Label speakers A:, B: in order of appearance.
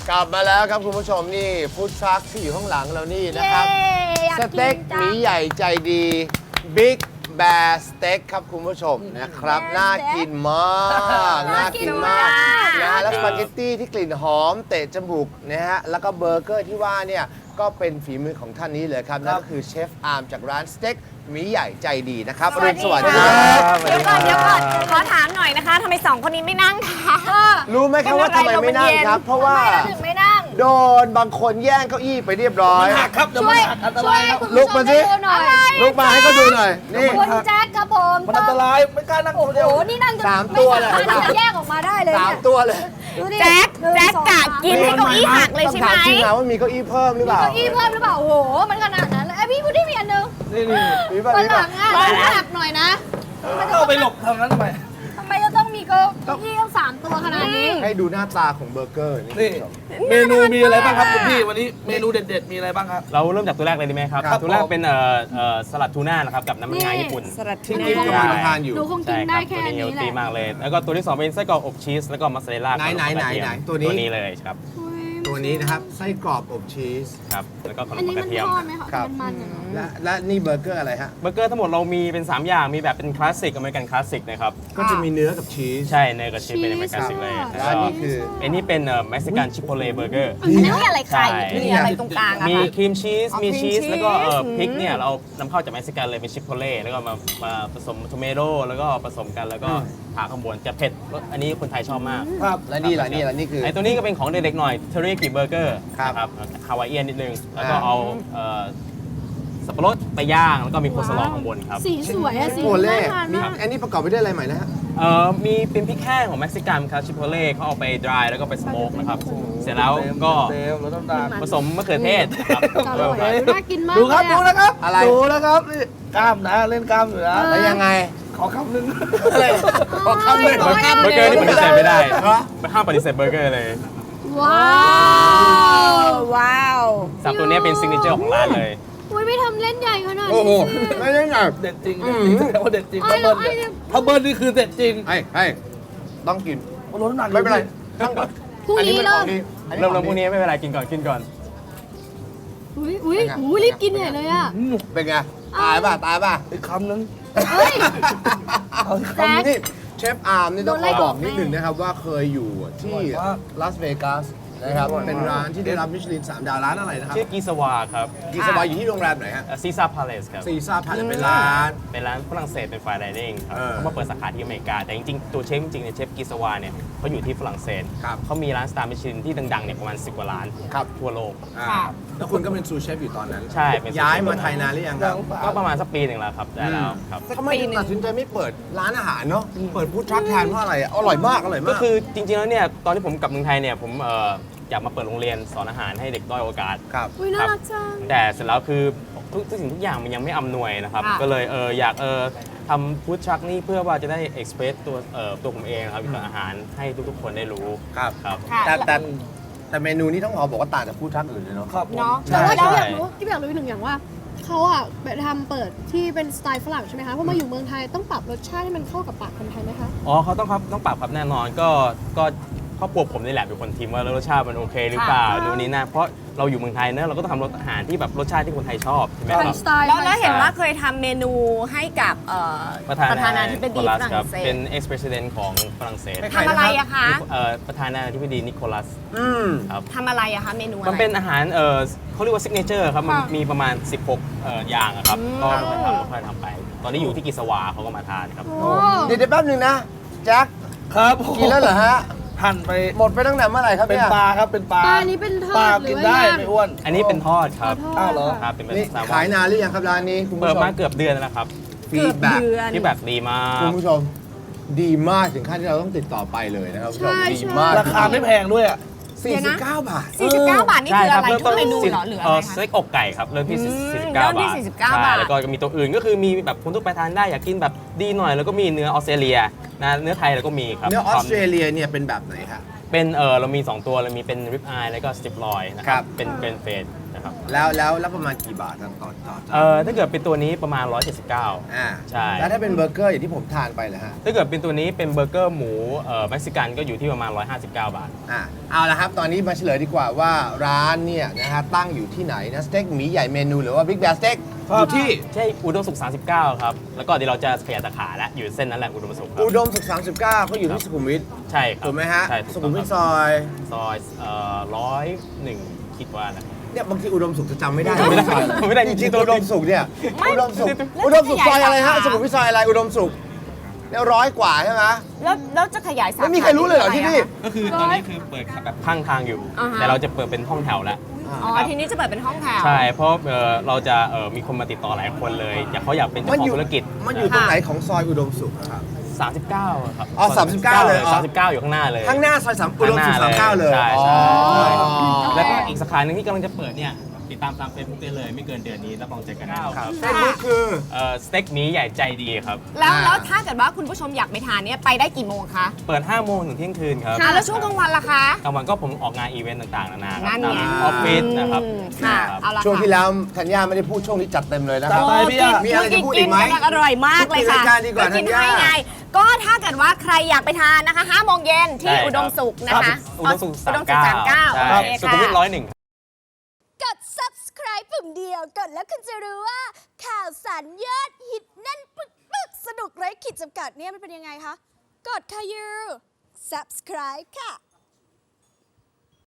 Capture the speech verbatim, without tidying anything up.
A: กลับมาแล้วครับคุณผู้ชมนี่ฟู้ดทรัคที่อยู่ข้างหลังเรานี่นะครับสเต็กหมีใหญ่ใจดีบิ๊กแบร์สเต็กครับคุณผู้ชมนะครับน่ากินมากน่ากินมากนะฮะแล้วสปาเกตตี้ที่กลิ่นหอมเตะจมูกนะฮะแล้วก็เบอร์เกอร์ที่ว่าเนี่ยก็เป็นฝีมือของท่านนี้เลยครับนั่นก็คือเชฟอาร์มจากร้านสเต็กหมีใหญ่ใจดีนะครับอรุณสวัสดิ์ครับ
B: เดี๋ยวก่อนเดี๋ยวก่อนขอถามหน่อยนะคะทำไมสองคนนี้ไม่นั่งคะ
A: รู้ไหมครับว่าทำไมไม่นั่งครับ เพราะว่า
B: ถึงไม่นั่ง
A: โดนบางคนแย่งเก้าอี้ไปเรียบร้อย
C: หักครับเดี๋ยวมันหักอันตรายครับ
A: ลุกมาสิลุกมาให้เขาดูหน่อยนี่
D: คุณแจ็คครับผม
C: มันอันตรายไม่กล้านั่งคนเดียว
D: โอ้นี่นั่งจน
A: สามตัวเลย
D: ไม่สามารถที่จะแยกออกมาได้เลย
A: สาม
D: เนี่ย
A: ตัวเลย
D: ดูดิ
B: แจ็ค
D: หนึ่ง
B: แจ็ค
D: สอง
B: กะกินให้เก้าอี้หักเลย
A: ต้อง
B: ใช่ไหม
A: ถามจริงนะว่ามีเก้าอี้เพิ่มหรือเปล่า
D: เก้าอี้เพิ่มหรือเปล่าโอ้โหมันขนาดนั้นเลยไอยพี่พูดที่มีอันนึง
C: นี่นี่
A: มีป่ะ
D: วัน
A: มี
D: หลั
A: ป่ะ
D: งอ่ะหนักหน่อยนะ
C: เข้าไปหลบทางนั้นทำไม
D: ทำไมจะต้องมีเก้าอี้ต้องสามตัวขนาดนี้
A: ให้ดูหน้าตาของเบอร์เกอร์นี่
C: นี่เมนูมีอะไรบ้างครับคุณพี่วันนี้เมนูเด็ดๆมีอะไรบ้างครับ
E: เราเริ่มจากตัวแรกเลยดีไหมครับ
C: ครับ
E: ตัวแรก
C: ผม
E: เป็นเอ่อเอ่อสลัดทูน่านะครับกับน้ำมันงาญี่ปุ่น
B: สลัด
A: ที่
B: ทู
A: กิฟ
B: น่า
A: กำลังทานอยู่
D: ดูคงกิ
E: ใช่
D: น
E: ค
D: ได้
E: รับ
D: แค่
E: ตัวนี้เฮล
D: นี้แห
E: ตี้
D: ละ
E: มากเลย แล้วก็ตัวที่สองเป็นไส้กรอกอบชีสแล้วก็มัสซาเรลล่า
A: ไหนไหนไหนไหน
E: ตั
A: ตัว วนี้
E: นี้เลยครับ
A: ตัวนี้นะครับไส้กรอบอบชีส
E: ครับแล้วก็ขน
D: อัน
E: ม
D: นี้
E: ก
D: มั
E: ระ
D: น
E: เทียม
D: ทอดไหมคะ
A: ครับ
D: มันมันๆอะเนาะ
A: และและนี่เบอร์เกอร์อะไรฮะ
E: เบอร์เกอร์ทั้งหมดเรามีเป็นสามอย่างมีแบบเป็นคลาสสิกอเมริกันคลาสสิกนะครับ
A: ก็จะมีเนื้อกับชีส
E: ใช่เนยกับชีสเป็นอเมริกันคลาสสิกเลย
A: แล้
E: แล้ว ว
A: อัน
E: ก็
A: นี้คือ
E: อันนี้เป็นเม็กซิกันชิโปเลเบอร์เกอร์
B: อันนี้มีอะไรไข่
E: ใช่
B: มีอะไรตรงกลางอะ
E: มี
B: คะ
E: ครีมชีส
B: อ๋อ
E: มี
B: ครี
E: ชี
B: ม
E: ส
B: ชีส
E: แล้วก็เอ่อ
B: อืม
E: พริกเนี่ยเรานำเข้าจากเม็กซิกันเลยเป็นชิโปเล่แล้วก็มามาผสมโทเมโตแล้วก็ผสมกันแล้วก็ทาข้างบนจะเผ็ดอันนี้คนไทยชอบมาก
C: ครับ
A: และนี่ล่ะนี่ล่ะนี่คือ
E: ไอตัวนี้ก็เป็นของเด็กๆหน่อยเทอริยากิเบอร์เกอร์
A: ครับ
E: นะครับฮาวายเอียนนิดนึง แล้วก็
A: อ่า
E: เอาเอ่อสับปะรดไปย่าง แล้วก็มีโคสลอข้างบนครับ
D: สีสวยอะสี
A: โปเล่
D: น่าทาน
A: มี
D: มาก
A: อันนี้ประกอบไปด้วยอะไรใหม่นะฮะ
E: เอ่อมีเป็นพริกแห้งของเม็กซิกันครับชิโปเล่เขาเอาไปดรายแล้วก็ไปสโมกนะครับ เสร็จแล้วก็
C: เต็มแล้วน้ำตาล
E: ผสมมะเขือเทศครับ
D: อร่อยน่ากินมาก
C: ดูครับ
D: เลย
C: ดู
D: อะ
C: นะครับ
A: อะไร
C: ดูนะครับนี่กล้ามนะเล่นกล้ามอยู่นะ
A: แล้วยังไง
C: ขอคำหนึ่ง
A: ขอคำหนึ่ง
E: เบอร์เบอร์เกอร์นี่ปฏิเสธไม่ได้ห้ามปฏิเสธเบอร์เกอร์เลย
D: ว้าว
B: ว้าว
E: สับตัวนี้เป็นซิกเนเจอร์ของร้านเลย
D: อุ้ยไม่ทำเล่นใหญ่ขนาด
A: โอ้โห
D: นี้
A: ไม่ได้หนัก
C: เด็ดจริงเด็ดจริงแสดงว่าเด็ดจริง
D: ไอ้
C: ถ้าเบิ้ล
D: ไอ้
C: เนี่ยถ้าเบิ้ลนี่คือเด็ดจริง
A: ให้ให้ต้องกิน
C: ลดน้ำหนัก
A: ไม่เป็นไรนั่งก่อน
D: พรุ่งนี้
A: อั
D: เริ่ม
A: ป็นของดี
E: เริ่มเริ่มพวกนี้ไม่เป็นไรกินก่อนกินก่อน
D: อุ้ยอุ้ยอุ้ยรีบกินใหญ่เลยอ่ะ
C: อืม
A: เป็นไง ตายป่ะ ตายป่ะ
C: อีกคำหนึ่ง
D: เฮ้ย
C: เอาอีก
D: แจ็
C: คำ
D: ค
C: หนึ่ง
A: นี่เชฟอาร์มนี่ต้อง
D: โดน
A: ข
D: ไล่
A: อ
D: อ
A: บ
D: อ
A: อก กนิดหนึ่งนะครับว่าเคยอยู่ที่
C: อร่อยมาก
A: ลาสเวกัสนะครับ
C: อร่อยมาก
A: เป็นร้านที่ได้รับมิชลินสามดาวร้านอะไรนะครับ
E: ชื่อกีสวาครับ
A: กีสบายอยู่ที่โรงแรมไหนฮะ
E: ซีซ่าพาเลสครับ
A: ซีซ่าพาเลเป็นร้าน
E: เป็นร้านฝรั่งเศสเป็นไฟน์ไดนิ่งครับ
A: เออ
E: เขามาเปิดสาขาที่อเมริกา แต่จริงๆ ตัวเชฟจริงๆเนี่ยเชฟกิสวาเนี่ยเขาอยู่ที่ฝรั่งเศส
A: ครับ
E: เขามีร้านสตาร์มิชลินที่ดังๆเนี่ยประมาณสิบกว่าร้าน
A: ครับ
E: ทั่วโลก
A: อ่าแล้วคุณก็เป็นซูเชฟอยู่ตอนนั้น
E: ใช่เป็น
A: ย้ายมาไทยนานหรือยังครับ
E: ก็ประมาณสักปีหนึ่งแล้วครับได้แล้วครับ
A: ทำไมถึงตัดสินใจไม่เปิดร้านอาหารเนาะเปิดฟู้ดทรัคแทนเพราะอะไรอ่ะอร่อยมากอร่อยมาก
E: ก็คือจริงๆแล้วเนี่ยตอนที่ผมกลับเมืองไทยเนี่ยผมเอ่ออยากมาเปิดโรงเรียนสอนอาหารให้เด็กด้อยโอกาส
A: ครับ
D: อุ้ยน่ารักจัง
E: แต่เสร็จแล้วคือทุกทุกสิ่งทุกอย่างมันยังไม่อำนวยนะครับ
B: ค่ะ
E: ก็เลยเอออยากเออทำฟู้ดทรัคนี่เพื่อว่าจะได้เอ็กซ์เพรสตัวเอ่อตัวผมเองครับวิธีอาหารให้ทุกๆคนได้รู้
A: ครับ
E: ครับ
B: ค่ะ
A: แต่แต่แต่เมนูนี้ต้องขอบอกว่าต่างจากฟู้ดทรัคอื่นเลยเนาะ
C: ครับผม
B: เนาะ
D: แต่ว่า
E: ใช่
D: เราอยากรู้ที่อยากรู้อีกหนึ่งอย่างว่าเขาอะไปทำเปิดที่เป็นสไตล์ฝรั่งใช่ไหมคะพอมาอยู่เมืองไทยต้องปรับรสชาติให้มันเข้ากับปากคนไทยไหมคะ
E: อ๋อเขาต้องครับต้องปรับครับแน่นอนก็ก็ครอบครัวผมนี่แหละเป็นคนทิมว่ารสชาติมันโอเคหรือเปล่า
D: ค่ะ
E: ดูนี้นะเพราะเราอยู่เมืองไทยเนอะเราก็ต้องทำรสอาหารที่แบบรสชาติที่คนไทยชอบใช่ไหม
D: ไท
E: ค
D: ย
E: รับ
D: สไตล์
B: แล้วแล้วเห็น
E: ใช่
B: ว่าเคยทำเมนูให้กับเอ่อ
E: ประธา
B: ประธานา
E: นา
B: ธิบดี
E: โคลั
B: ฝ
E: ส
B: รั่ง
E: ครับ
B: เศ
E: เป็
B: ส
E: น ex president ของฝรั่งเศส
A: ใคร
B: ทำอะไรอะคะ
E: เอ่อประธานาธิบดีนิโคลัส
A: อืม
E: ครับ
B: ทำอะไรอะคะเมนูอะไร
E: มันเป็นอาหารเออเขาเรียกว่าซิกเนเจอร์ครับมัน
B: ค่ะ
E: มีประมาณ สิบหกเอ่ออย่างอะครับ
B: อืม
E: ก็ค่อยๆทำค่อยๆทำไป ตอนนี้อยู่ที่กิสวาเขาก็มาทานครับ
D: โอ้
A: เดี๋ยวเดี๋ยวแป๊บหนึงนะแจ็ค
C: ครับผม
A: กินแล้วเหรอฮะ
C: หั่นไป
A: หมดไปตั้งแต่เมื่อไหร่ครับ
C: เป็น
A: เนี่ย
C: ปลาครับเป็นปลา
D: ปลานี้เป็นทอ
C: ปลา
D: ดหรื
C: กิ
D: อน ว่า
C: ได้
D: ย่าง
C: ไม่อ้วน
E: อันนี้เป็นทอดครับ
C: อ้าวเหรอ
E: ครับเป็นแบบ
A: นี่
E: แซลมอ
A: ขาย
E: น
A: นานหรือยังครับร้านนี้คุณผู้
E: เปิด
A: ชม
E: มาเกือบเดือนแล้วนะครับ
A: ฟี
B: เกือ
A: ด
B: บ
A: แบ็ก
B: เดือน
E: ที่แบบดีมาก
A: คุณผู้ชม ดีมากถึงขั้นที่เราต้องติดต่อไปเลยนะครับคุณผู้ชม
D: ใช่
A: ดี
D: ใช่
A: มาก
C: ราคาไม่แพงด้วยอ่ะ
A: สี่สิบเก้าบาท
B: สี่สิบเก้าบาทนี่
E: ใช่
B: คือ
E: ค
B: อะ
E: รับ
B: ไร
E: เริ่ม
B: ทุ
E: ต้
B: ก
E: น
B: เมนู
E: สิบ
B: เหรอหรืออะ
E: เอ่
B: ไร
E: อ
B: คะ
E: สเต็กอกไก่ครับเริ่มที่
B: อืม
E: สี่สิบเก้า
B: เริ่มที่
E: บาท
B: สี่สิบเก้า
E: ใช่
B: บาท
E: แล้วก็มีตัวอื่นก็คือมีแบบคนทั่วไปทานได้อยากกินแบบดีหน่อยแล้วก็มีเนื้อออสเตรเลียนะเนื้อไทยเราก็มีครับ
A: เนื้อออสเตรเลียเนี่ยเป็นแบบไหนครับ
E: เป็นเออเรามีสองตัวเรามีเป็นริบอายแล้วก็สติปลอยนะค
A: ครั
E: รับบ เป็นเป็นเฟสนะครับ
A: แล้วแล้วแล้วประมาณกี่บาทต่อต่อต่อ
E: เอ่อถ้าเกิดเป็นตัวนี้ประมาณ หนึ่งร้อยเจ็ดสิบเก้า
A: อ่า
E: ใช่
A: แล้วถ้าเป็นเบอร์เกอร์อย่างที่ผมทานไปเหรอฮะ
E: ถ้าเกิดเป็นตัวนี้เป็นเบอร์เกอร์หมูเอ่อเม็กซิกันก็อยู่ที่ประมาณ หนึ่งร้อยห้าสิบเก้า บาท
A: อ่ะเอาละครับตอนนี้มาเฉลยดีกว่าว่าร้านเนี่ยนะฮะตั้งอยู่ที่ไหนนะสเต็กหมีใหญ่เมนูหรือว่าบิ๊กแบสเต็ก
C: อยู่ที่
E: ใช่อุดมสุข สามสิบเก้า ครับ แล้วก็เดี๋ยวเราจะขยายสาขาแล้วอยู่เส้นนั้นแหละอุดมสุขครับ
A: อุดมสุขสามสิบเก้าเขาอยู่ที่สุขุมวิท
E: ใช่ครับ
A: ถูกไหมฮะ
E: ใช่ถู
A: สุ
E: ก
A: ขุ
E: ต้อ
A: ม
E: ง
A: วิท
E: ค
A: ซ
E: รับ
A: อย
E: ซอยเอ่อร้อยหนึ่งคิดว่านะ
A: เนี่ยบางทีอุดมสุขจะจำไม่ได้
E: ไม่ได้
A: ซอยอะ
E: ไม่ได้
A: จ
E: จริ
A: ริง
E: งๆ
A: ๆอุดมสุขเนี่ยอุดมสุขอุดมสุขซอยอะไรฮะสุขุมวิทซอยอะไรอุดมสุขเนี่ยร้อยกว่าใช่ไหม
B: แล้วแล้วจะขยายสาขา
A: ไม่มีใครรู้เลยเหรอที่นี่
E: ก็คือตอนนี้คือเปิดแบบข้างทางอยู่
B: อ่าฮะ
E: แต่เราจะเปิดเป็นห้องแถวแล้ว
B: อ๋อ ทีนี้จะเปิดเป็นห้องแถว
E: ใช่ เพราะเอ่อเราจะเอ่อมีคนมาติดต่อหลายคนเลยอยากเขาอยากเป็นเจ้าของธุรกิจ
A: มันอยู่ตรงไหนของซอยอุดมสุขอะครับ
E: สามสิบเก้าครับ
A: อ๋อสามสิบเก้าเลยอ๋อ
E: สามสิบเก้าอยู่ข้างหน้าเลย
A: ข้างหน้าซอยสามอุดมสุขสามเก้าเลย
E: ใช่ใช่
A: อ๋อ
E: แล้วก็อีกสาขาหนึ่งที่กำลังจะเปิดเนี่ยติดตามตามเฟซบุ๊กได้เลยไม่เกินเดือนนี้รับรองเจอกันแน่ครับ
A: เฟซบุ๊กคือ
E: เอ่อสเต็กหมีใหญ่ใจดีครับ
B: แล้ว
A: อ่า
B: แล้วถ้าเกิดว่าคุณผู้ชมอยากไปทานเนี่ยไปได้กี่โมงคะ
E: เปิดห้าโมงถึงเที่ยงคืนครับ
B: อ่ะแล้วช่วงกลางวันล่ะคะ
E: กลางวันก็ผมออกงานอีเวนต์ต่างๆนานาครับ
B: นั่นไง
E: ตามออฟฟิศนะครับ
B: อืมค่ะ
E: ครับ
B: เอาละ
A: ช่วง
B: ค่ะ
A: ที่แล้วธัญญาไม่ได้พูดช่วงนี้จัดเต็มเลยนะค
C: จั
A: รับ
C: ดไปพี่อะ
A: มีอะไรจะพูดอีกไหม
B: นอร่อยมากเลยค่ะ
A: พูดในรายการดีกว่า
B: กิน
A: ธัญญา
B: ให้ไง ก็ถ้าเกิดว่าใครอยากไปทานนะคะห้าโมงเย็นที่
E: ใช่ครับ
B: อุดมสุขนะ
E: ครั
B: คะ
E: บอุดมสุข
B: อุดมสุขสามเก้า
E: ใช่
B: โอเค
E: สุขุมวิท
B: ค่ะ
E: ร้อยหนึ่ง
F: กด subscribe ปุ่มเดียว กดแล้วคุณจะรู้ว่า ข่าวสารยอดฮิตแนั่นปึกปึกสนุกไร้ขีดจำกัดเนี่ยมันเป็นยังไงคะ กดค่ะยู subscribe ค่ะ